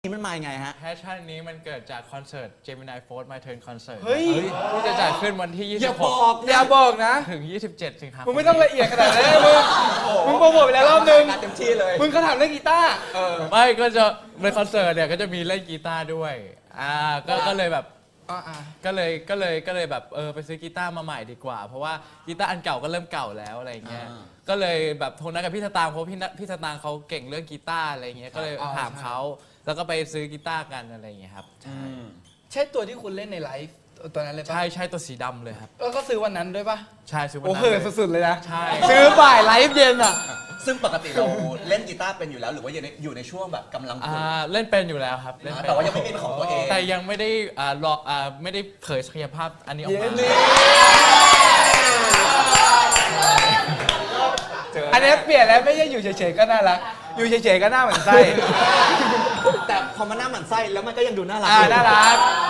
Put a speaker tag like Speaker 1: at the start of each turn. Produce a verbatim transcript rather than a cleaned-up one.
Speaker 1: นี่มันมายังไงฮะ
Speaker 2: แพชชั่นนี้มันเกิดจากคอนเสิร์ต Gemini Force My Turn Concert
Speaker 3: เฮ้ย
Speaker 2: ที่จะจัดขึ้นวันที่ ยี่
Speaker 1: อ
Speaker 2: สิ
Speaker 1: ย่า
Speaker 2: บห
Speaker 1: บ
Speaker 2: ก
Speaker 1: อก
Speaker 3: อย่าบอกนะ
Speaker 2: ถึง ยี่สิบเจ็ด สิงหาคม
Speaker 3: มึงไม่ต้องละเอียดขนาดนั้นมึงมึงโปรโมทไปแล้วรอบนึง
Speaker 1: เต็มที่เลย
Speaker 3: มึงเขาถามเรื่องกีตาร์
Speaker 1: เออ
Speaker 2: ไม่ก็จะในคอนเสิร์ตเนี่ยก็จะมีเล่นกีตาร์ด้วยอ่าก็ก็เลยแบบ
Speaker 3: อ่า
Speaker 2: ก็เลยก็เลยก็เลยแบบเออไปซื้อกีตาร์มาใหม่ดีกว่า เพราะว่ากีตาร์อันเก่าก็เริ่มเก่าแล้วอะไรเงี้ย
Speaker 1: อ่า
Speaker 2: ก็เลยแบบโทรนัดกับพี่สตางค์เพราะพี่นัทพี่สตางค์เขาเก่งเรื่องกีตาร์อะไรเงี้ยก็เลยถามเขาแล้วก็ไปซื้อกีตาร์กันอะไรเงี้ยครับ
Speaker 1: อืม
Speaker 3: ใช่ตัวที่คุณเล่นในไลฟ์ตัวนั้นเลยปะ
Speaker 2: ใช่ใช่ตัวสีดำเลยครับ
Speaker 3: แล้วก็ซื้อวันนั้นด้วยปะ
Speaker 2: ใช่ซื้อวัน
Speaker 3: โอ้
Speaker 2: นั้น
Speaker 3: โห
Speaker 2: เลย
Speaker 3: สุดๆเลยนะ
Speaker 2: ใช่
Speaker 3: ซื้อบ่ายไลฟ์เย็นอ่ะ
Speaker 1: ซึ่งปกติเราเล่นกีตาร์เป็นอยู่แล้วหรือว่าอยู่ในอยู่ในช่วงแบบกำลังฝึ
Speaker 2: อ่าก เล่นเป็นอยู่แล้วครับเล่นเป็น
Speaker 1: แต่ว่ายังไม่เป็นของตัวเอง
Speaker 2: แต่ยังไม่ได้อ่ารออ่าไม่ได้เผยศักยภาพอันนี้ออกมา
Speaker 3: อันนี้เปลี่ยนแล้วไม่ใช่อยู่เฉยๆก็น่ารักอยู่เฉยๆก็น่าเหมือนไส้
Speaker 1: แต่พอมันหน้าหมันไส้แล้วมันก็ยังดูน่ารัก
Speaker 3: อ่า
Speaker 1: อยู่
Speaker 3: น่ารัก